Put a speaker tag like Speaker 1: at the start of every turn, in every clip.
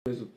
Speaker 1: Mesut.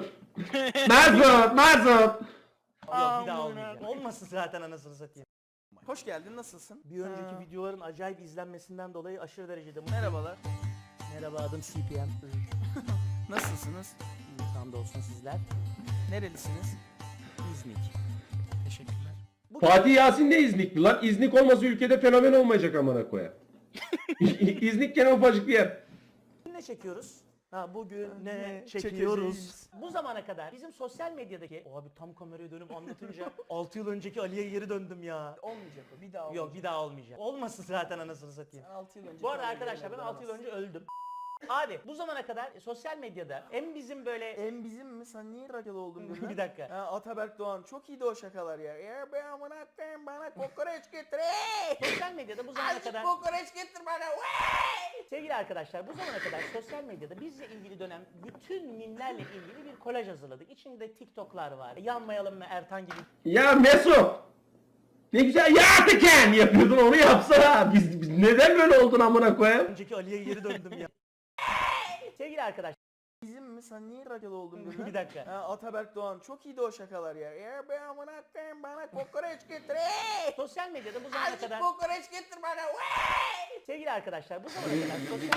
Speaker 1: Mesut.
Speaker 2: Yok bir daha olmayacak. Olmasın zaten anasını satayım.
Speaker 3: Hoş geldin, nasılsın?
Speaker 2: Bir önceki videoların acayip izlenmesinden dolayı aşırı derecede
Speaker 3: Merhabalar.
Speaker 2: Merhaba, adım CPM.
Speaker 3: Nasılsınız?
Speaker 2: Hamdolsun sizler.
Speaker 3: Nerelisiniz?
Speaker 2: İznik.
Speaker 3: Teşekkürler.
Speaker 1: Fatih Yasin de İznikli lan. İznik olmasa ülkede fenomen olmayacak amına koya. İznik gene ufacık bir yer.
Speaker 2: Ne çekiyoruz? Bugün ne
Speaker 3: Ne
Speaker 2: çekiyoruz?
Speaker 3: çekeceğiz?
Speaker 2: Bu zamana kadar bizim sosyal medyadaki... Abi tam kameraya dönüp anlatınca 6 yıl önceki Ali'ye geri döndüm ya.
Speaker 3: Olmayacak o, bir daha olmayacak.
Speaker 2: Yok bir daha olmayacak. Olmasın zaten anasını satayım.
Speaker 3: 6 yıl önce.
Speaker 2: Bu arada arkadaşlar ben 6 yıl önce öldüm. Abi bu zamana kadar sosyal medyada hem bizim böyle...
Speaker 3: En bizim mi? Sen niye rakalı oldun birden?
Speaker 2: Bir dakika.
Speaker 3: Ha, Ataberk Doğan çok iyiydi o şakalar ya. Ya ben amına koyayım, bana kokoreç getir.
Speaker 2: Sosyal medyada bu zamana
Speaker 3: Azıcık
Speaker 2: kadar...
Speaker 3: kokoreç getir bana. Vay!
Speaker 2: Sevgili arkadaşlar bu zamana kadar sosyal medyada bizle ilgili dönen bütün mimlerle ilgili bir kolaj hazırladık. İçinde TikTok'lar var. Yanmayalım mı Ertan gibi
Speaker 1: Ya Mesut. Ne güzel ya Teken yapıyordun, onu yapsana. Biz neden böyle oldun amına koyayım?
Speaker 2: önceki Ali'ye geri döndüm ya. Sevgili arkadaşlar
Speaker 3: Bizim mi? Sen niye rakalı oldun birden?
Speaker 2: bir dakika.
Speaker 3: Ha, Ataberk Doğan çok iyiydi o şakalar ya. Ya ben amına koyayım, bana kokoreç getir.
Speaker 2: Sosyal medyada bu zamana
Speaker 3: Azıcık
Speaker 2: kadar...
Speaker 3: kokoreç getir bana. Vay!
Speaker 2: Sevgili arkadaşlar bu zamana kadar sosyal...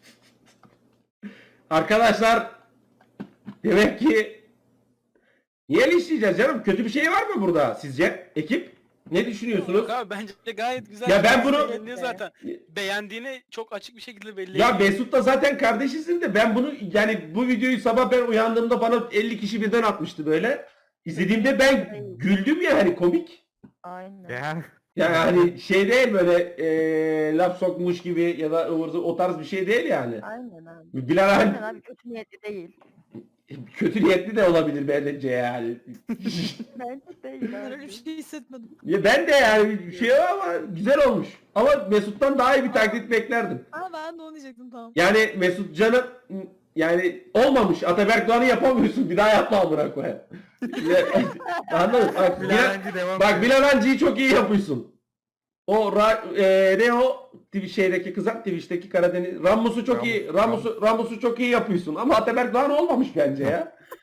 Speaker 1: Arkadaşlar demek ki niye linçleyeceğiz canım? Kötü bir şey var mı burada sizce? Ekip ne düşünüyorsunuz?
Speaker 4: Yok abi bence gayet güzel.
Speaker 1: Ya ben bunu-
Speaker 4: Beğendiğini zaten beğendiğini çok açık bir şekilde belli
Speaker 1: Ya
Speaker 4: ediyor.
Speaker 1: Mesut'la zaten kardeşisin de ben bunu, yani bu videoyu sabah ben uyandığımda bana 50 kişi birden atmıştı böyle. İzlediğimde ben güldüm ya, hani komik.
Speaker 5: Aynen.
Speaker 1: Yani hani şey değil böyle laf sokmuş gibi ya da ıvır zıvır o tarz bir şey değil yani.
Speaker 5: Aynen abi.
Speaker 1: Bilal
Speaker 5: Aynen
Speaker 1: abi
Speaker 5: abi, kötü niyetli değil.
Speaker 1: kötü niyetli de olabilir bence yani.
Speaker 5: Bence değil
Speaker 6: Ben öyle
Speaker 5: abi.
Speaker 6: bir şey hissetmedim.
Speaker 1: Ya ben de yani bir şey var ama güzel olmuş. Ama Mesut'tan daha iyi bir taklit beklerdim.
Speaker 6: Ama ben de onu diyecektim, tamam.
Speaker 1: Yani Mesut Can'ın yani olmamış. Ataberk Doğan'ı yapamıyorsun. Bir daha yapma amına koyayım. Anladın? Bak Bilal Hancı'yı çok iyi yapıyorsun. O ne o şeydeki kızak Twitch'teki Karadeniz Rammus'u çok iyi Rammus'u çok iyi yapıyorsun ama Ataberk Doğan olmamış bence ya.